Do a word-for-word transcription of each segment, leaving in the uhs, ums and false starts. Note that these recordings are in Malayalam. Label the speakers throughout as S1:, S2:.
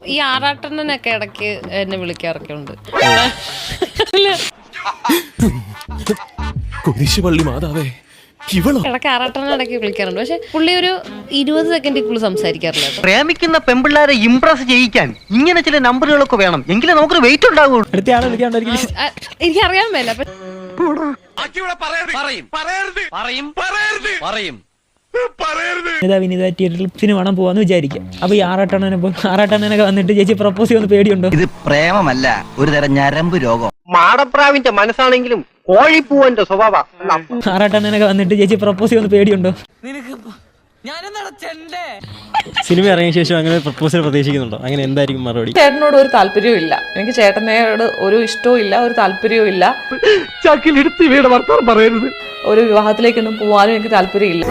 S1: ഈ ആറാട്ടണ്ണനൊക്കെ ഇടയ്ക്ക് എന്നെ വിളിക്കാറൊക്കെ ഉണ്ട്.
S2: കുരിശുപള്ളി മാതാവേ,
S1: ഇടയ്ക്ക് ആറാട്ടണ്ണൻ ഇടയ്ക്ക് വിളിക്കാറുണ്ട്. പക്ഷെ പുള്ളി ഒരു ഇരുപത് സെക്കൻഡിൽ കൂടുതൽ സംസാരിക്കാറില്ല.
S3: പ്രേമിക്കുന്ന പെമ്പിള്ളാരെ ഇംപ്രസ് ചെയ്യിക്കാൻ ഇങ്ങനെ ചില നമ്പറുകളൊക്കെ വേണം, എങ്കിലേ നമുക്കൊരു വെയിറ്റ് ഉണ്ടാവുള്ളൂ.
S1: എനിക്കറിയാൻ മേല.
S4: സിനിമ പോവാന്ന് വിചാരിക്കാം. അപ്പൊ ഈ ആറാട്ടണ്ണനെ ആറാട്ടണ്ണനൊക്കെ വന്നിട്ട് ചേച്ചി പ്രപ്പോസ് ചെയ്യുന്ന പേടിയുണ്ടോ?
S3: ഇത് പ്രേമമല്ല, ഒരു തരം ഞരമ്പ് രോഗം. മാടപ്രാവിന്റെ മനസ്സാണെങ്കിലും കോഴിപ്പൂവന്റെ സ്വഭാവം.
S4: ആറാട്ടണ്ണനൊക്കെ വന്നിട്ട് ചേച്ചി പ്രപ്പോസ് ചെയ്യുന്ന പേടിയുണ്ടോ?
S2: സിനിമ ഇറങ്ങിയ ശേഷം അങ്ങനെ പ്രപ്പോസൽ പ്രതീക്ഷിക്കുന്നുണ്ടോ? അങ്ങനെ എന്തായിരിക്കും മറുപടി?
S5: ചേട്ടനോട് ഒരു താല്പര്യവും ഇല്ല, എനിക്ക് ചേട്ടനോട് ഒരു ഇഷ്ടവും ഇല്ല, ഒരു താല്പര്യവും ഇല്ല.
S3: ചക്കിലെടുത്ത് ഇവയുടെ വർത്തമാനം പറയരുത്.
S5: ഒരു വിവാഹത്തിലേക്കൊന്നും പോവാനും എനിക്ക് താല്പര്യമില്ല.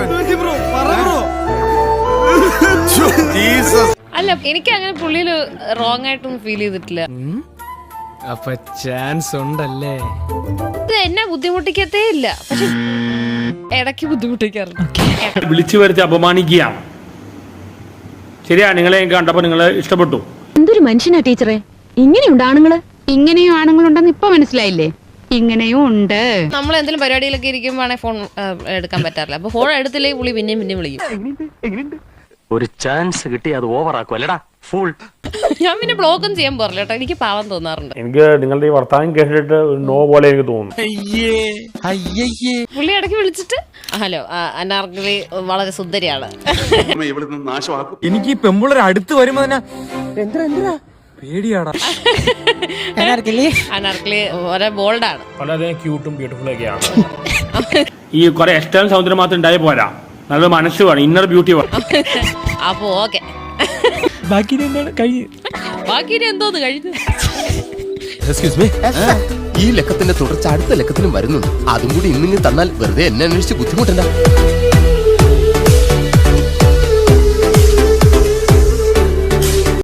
S1: അല്ല, എനിക്ക് അങ്ങനെ പുള്ളിയിൽ റോങ് ആയിട്ടൊന്നും ഫീൽ ചെയ്തിട്ടില്ല.
S2: അപ്പൊ ചാൻസ് ഉണ്ടല്ലേ?
S1: ഇത് എന്നെ ബുദ്ധിമുട്ടിക്കത്തേ ഇല്ല, പക്ഷെ ഇടയ്ക്ക് ബുദ്ധിമുട്ടിക്കാറുണ്ട്.
S6: വിളിച്ചു വരുത്തി അപമാനിക്കുകയാണ്. ശരിയാ, നിങ്ങളെ കണ്ടപ്പോ നിങ്ങളെ ഇഷ്ടപ്പെട്ടു.
S7: എന്തൊരു മനുഷ്യനാ ടീച്ചറെ, ഇങ്ങനെയുണ്ട് ആണുങ്ങള്. ഇങ്ങനെയും ആണുങ്ങളുണ്ടെന്ന് ഇപ്പൊ മനസ്സിലായില്ലേ? ഇങ്ങനെയും ഉണ്ട്.
S1: നമ്മൾ എന്തെങ്കിലും പരിപാടിയിലൊക്കെ ഇരിക്കുമ്പോഴാണെങ്കിൽ ഫോൺ എടുക്കാൻ പറ്റാറില്ല. അപ്പൊ ഫോൺ എടുത്തില്ലെങ്കിൽ പുള്ളി പിന്നെയും പിന്നെയും വിളിക്കും.
S8: ഒരു ചാൻസ് കിട്ടി അത് ഓവർ ആക്കും അല്ലടാ ഫുൾ.
S1: ഞാൻ പിന്നെ ബ്ലോക്കും ചെയ്യാൻ പോറില്ല കേട്ടോ, എനിക്ക് പാവം തോന്നാറുണ്ട്.
S6: എനിക്ക് നിങ്ങളുടെ ഈ വർത്താനം കേട്ടിട്ട് നോ പോലെ എനിക്ക് തോന്നുന്നു.
S1: പുള്ളി ഇടയ്ക്ക് വിളിച്ചിട്ട് ഹലോ അനാർക്കലി വളരെ സുന്ദരിയാണ്.
S2: എനിക്ക് ഈ പെമ്പിള്ളേർ അടുത്ത് വരുമ്പോ തന്നെ പേടിയാടാ.
S1: അനാർക്കലി വളരെ ബോൾഡാണ്,
S6: വളരെ ക്യൂട്ടും ബ്യൂട്ടിഫുൾ ഒക്കെയാണ്. ഈ കുറെ എക്സ്റ്റേണൽ സൗന്ദര്യം മാത്രം ഉണ്ടായി പോരാ, നല്ല മനസ്സ് വേണം, ഇന്നർ ബ്യൂട്ടി വേണം.
S1: അപ്പൊ ഓക്കെ,
S4: ബാക്കി എന്താണ് കഴിഞ്ഞു?
S1: ബാക്കി എന്തോന്ന് കഴിഞ്ഞു?
S9: ഈ ലക്കത്തിന്റെ തുടർച്ച അടുത്ത ലക്കത്തിനും വരുന്നുണ്ട്. അതും കൂടി ഇന്നിങ്ങ് തന്നാൽ വെറുതെ എന്നെ അന്വേഷിച്ച് ബുദ്ധിമുട്ടണ്ട.